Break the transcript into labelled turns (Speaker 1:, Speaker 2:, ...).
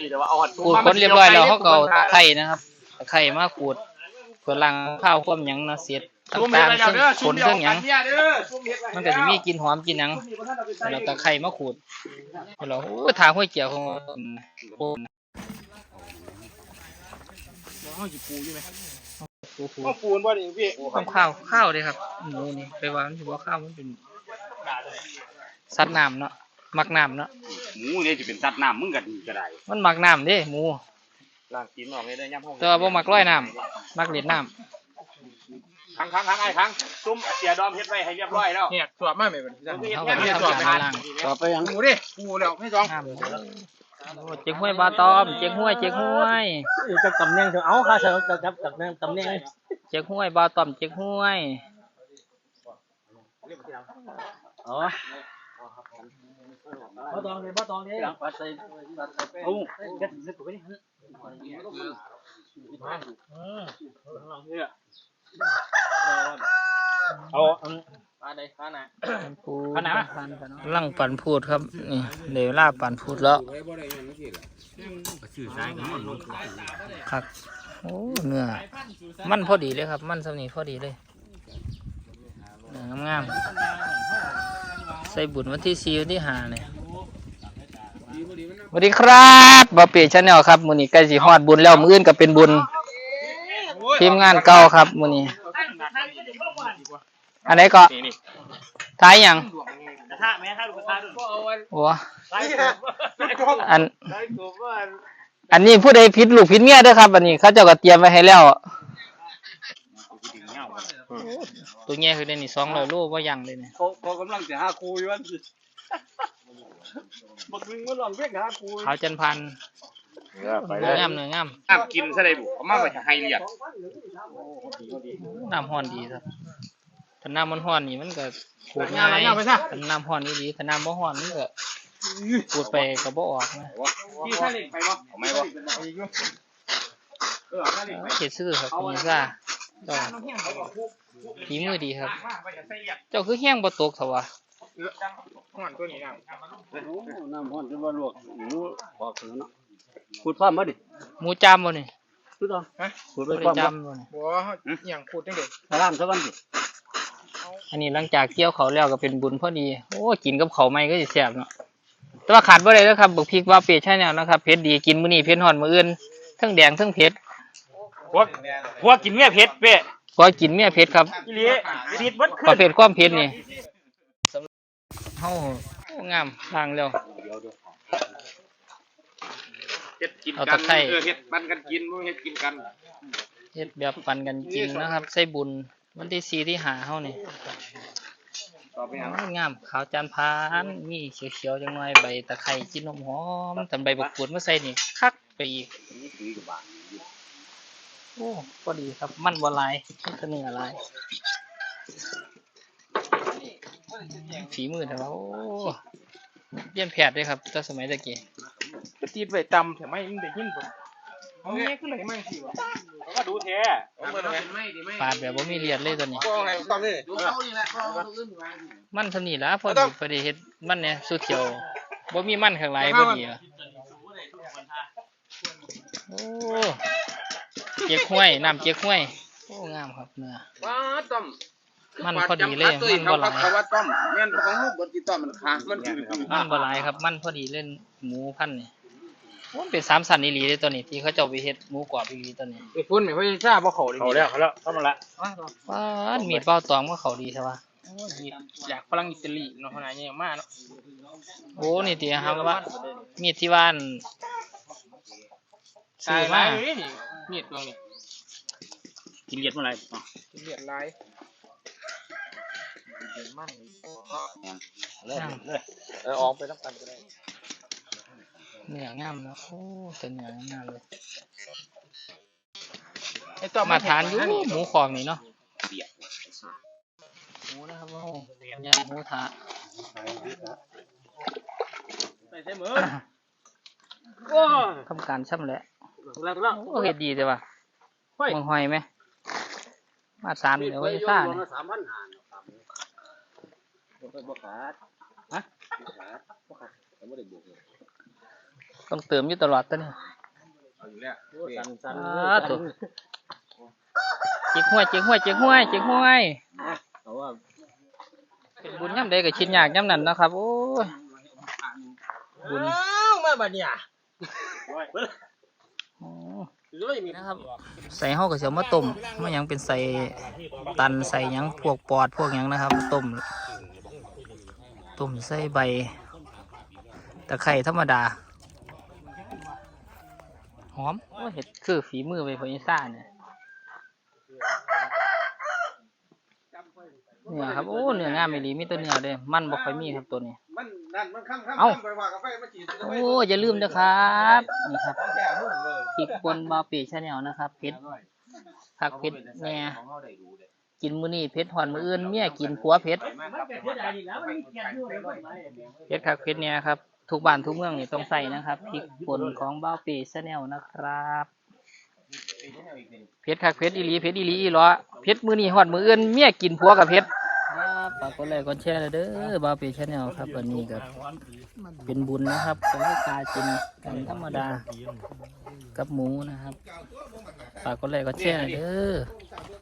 Speaker 1: ขูดคนเรียบร้อยแล้วเขาก็เอาตะไคร่นะครับตะไคร่มาขูดเพื่อล้างข้าวความหยังนะเสียดต่างๆซึ่งขนซึ่งหยังมันก็จะมีกลิ่นหอมกลิ่นหยังเราตะไคร่มาขูดเราทางห้วยเกี่ยวของ
Speaker 2: ปูนบ่ดิพี่
Speaker 1: ข้าวเลยครับหมูนี่ไปวางที่ว่าข้าวมันเป็นสัตว์น้ำเนาะมักน้ำเนาะ
Speaker 2: หมูนี่จะเป็นสัตว์น้ำมึงกันก็ได้
Speaker 1: มันมักน้ำเด้หมู
Speaker 2: ล้างกินออกเลยได้ย่ำห้อง
Speaker 1: แต่ว่าบ่มักร้อยน้ำมักเล่นน้ำ
Speaker 2: ครั้งไอ้ครั้งจุ่มเสียดอมเฮ็ดไว้ให้เรียบร้อยแล้ว
Speaker 3: เนี่ยสวบมากไหมเป็น
Speaker 1: เขาก็ทำการล้าง
Speaker 3: สวบไปยังปูดิปูแล้วไม่ต้อง
Speaker 1: เจ๊กห้วยบาตอมเจ๊กห้วย
Speaker 4: จะตำแหน่งเถอะเอาค่ะเถอะจะจับตำแหน่ง
Speaker 1: เจ๊กห้วยบาตอมเจ๊กห้วย
Speaker 4: อ๋อบ้าตองเลยปัดใส่โอ้เด็ดเด็ดตัวนี้เอาปลาใดปลาหนา
Speaker 1: ปลาหนาลังปั่นพูดครับนี่เดี๋ยวล่าปั่นพูดแล้วครับโอ้เนื้อมันพอดีเลยครับมันสำนีพอดีเลยเนื้องามใส่บุญวันที่4วันที่5เนี่ยสวัสดีครับบ่เปียชาแนลครับมื้อนี้ใกล้สิฮอดบุญแล้วมื้ออื่นก็เป็นบุญทีมงานเก่าครับมื้อนี้อันไหนก็ท้ายหยัง
Speaker 4: กระทะแม่ถ้าลูกกระทะด้วย
Speaker 1: โอ้อันนี้ผู้ใดผิดลูกผิดเมียเด้อครับอันนี้เขาเจ้าก็เตรียมไว้ให้แล้วตัวเงี้ยคือได้นี่200 โลบ่ยังเลยเนี่ย
Speaker 4: เขากำลังจะหาครูอยู่ว่าบักนึงว่าลองเรียกหาครู
Speaker 1: ขาวจันพันเนื้องาม
Speaker 2: น้ำกินซะได้บุเอามาไว้ให้เลียด
Speaker 1: น้ำฮ้อนดีครับถ้าน้ำมันฮ้อนนี่มันก็ขูดง่ายถ้าน้ำฮ้อนนี่ดีถ้าน้ำบ่ฮ้อนมันก็ขูดไปก็บ่ออกนะ
Speaker 2: พี่ถ้าเล็กไปบ่เอาไม่บ่
Speaker 1: เฮ็ดซื่อครับมีซ่าเจ้าฝีมือดีครับเจ้าคือแห้งบ่ตกเถอะวะ
Speaker 3: ห่อนตัวนี้
Speaker 4: น้ำห้อนจะว่าลวกหมูออกเนาะขูดฟ้ามาดิ
Speaker 1: หมูจามบ่นี่
Speaker 4: คือต่อ
Speaker 1: ขูดไปจามบ่นี่
Speaker 3: บ่อย่างขูดจังได๋
Speaker 4: ร้านซะวันดิ
Speaker 1: อันนี้หลังจากเกี่ยวเขาแล้วก็เป็นบุญพอดีโอ้กินกับข้าวใหม่ก็สิแซ่บเนาะแต่ว่าขาดบ่ได้เด้อครับบักพริกว่าเปียใช่แนวนะครับเผ็ดดีกินมื้อนี้เผ็ดฮ้อนมื้ออื่นทั้งแดงทั้งเผ็ด
Speaker 2: พวกกินเมียเผ็ดเป้
Speaker 1: พอกินเมียเผ็ดครับ
Speaker 2: อีหลีติดเบิดขึ้น
Speaker 1: ประเภทความเผ็ดนี่เฮางามล้างแล้ว
Speaker 2: เฮ็ดกินกันเฮ็ดปันกันกินบ่เฮ็ดกินกัน
Speaker 1: เฮ็ดแบบปันกันกินนะครับใส่บุญวันที่4ที่5เฮานี่งามขาวจานพานมีเขียวๆจังหน่อยใบตะไคร้จิ้นหอมๆตำใบบักกูดมาใส่นี่คักไปอีกโอ้พอดีครับมันบ่หลายมันเนื้อหลายฝีมือแต่ว่าโอ้เรียนแพทย์ด้วยครับตั้งสมัยตะกี้
Speaker 3: ก็ตีดไว้ตำแต่ไม่ได้ยินบ่เอาแม่ขึ้นเลยมั่งสิวะ
Speaker 2: ก็ดูแท้
Speaker 1: ปาดแบบบ่มีเลียดเลยตัวนี้มันเท่านี้ล่ะพอดีเฮ็ดมันเนี่ยสุดเขียวบ่มีมันข้างหลังพอดีอ่ะโอ้เจ๊กห้วยน้ำเจ๊กห้วยโอ้งามครับเนื้อมันพอดีเลยมันบ่หลาย
Speaker 2: แม่นของฮู้บ่ติดต่อมันค้าง
Speaker 1: มันบ่หลายครับมันพอดีเล่นหมูพันธุ์นี่มันเป็น3สันอีหลีเลยตัวนี้ที่เขาเจ้าไปเฮ็ดหมูกรอบอีหลีตัวนี้
Speaker 3: ไอ้ฟุ้นไม่ค่อยทราบว่าเขาดี
Speaker 2: เขาแล้วเข้ามาละ
Speaker 1: ว้ามีดเป้าตองว่าเขาดีใช่ป่ะ
Speaker 3: อยากฝรั่งอิตาลีเนาะขนาดนี้มากเนาะ
Speaker 1: โอ้นี่ติครับว่ามีดที่บ้าน
Speaker 3: ซื้อมามีดตัวนี้
Speaker 2: กินเลียดเมื่อไหร่
Speaker 3: กินเลียดลายมัน
Speaker 2: ออกไปรับกันก็ได้
Speaker 1: เนื้องามนะโอ้แต่เนื้องามเลย
Speaker 3: มา
Speaker 1: ทานอยู่หมูของนี่เนาะหมูนะครับโอ้ยหมูถาทำการช่ำแหละโอ้เฮ็ดดีใช่ป่ะมึงหอยไหมมาสานเดี๋ยวไว้ซ่าเนี่ยต้องเติมอยู่ตลอดตัวนี้
Speaker 4: สัน
Speaker 1: ถูกจิกห้วย
Speaker 4: เพราะว่า
Speaker 1: เป็นบุญย่ำใดก็ชิ้นยากย่ำนั้นนะครับโอ้ยบุญ
Speaker 3: มาบัดเนี่ย
Speaker 1: อ๋อนะครับใส่ห่อกับเสียวมาต้มมันยังเป็นใส่ตันใส่หยังพวกปอดพวกหยังนะครับต้มใส่ใบตะไคร้ธรรมดาหอมโอ้เห็ดคือฝีมือไปพอยิซ่าเนี่ยครับโอ้เนื้องามไม่ดีมีตัวเนื้อเลยมันบอกค่อยมีครับตัวนี้เอ้าโอ้อย่าลืมนะครับนี่ครับพริกป่นบาปีชาแนลนะครับเผ็ดผักเผ็ดแน่กินมื้อนี้เผ็ดหอนมื้ออื่นเมียกินผัวเผ็ดคักเผ็ดเนี่ยครับทุกบ้านทุกเมืองนี่ต้องใส่นะครับพริกป่นของบาปีชาแนลนะครับเผ็ดคักเผ็ดอีหลีอีหลอเผ็ดมื้อนี้หอนมื้ออื่นเมียกินผัวกับเผ็ดฝากกดไลค์กดแชร์เด้อบาปีชาแนลครับวันนี้ก็เป็นบุญนะครับก็ให้กากินกันธรรมดากับหมูนะครับฝากกดไลค์กดแชร์เด้อ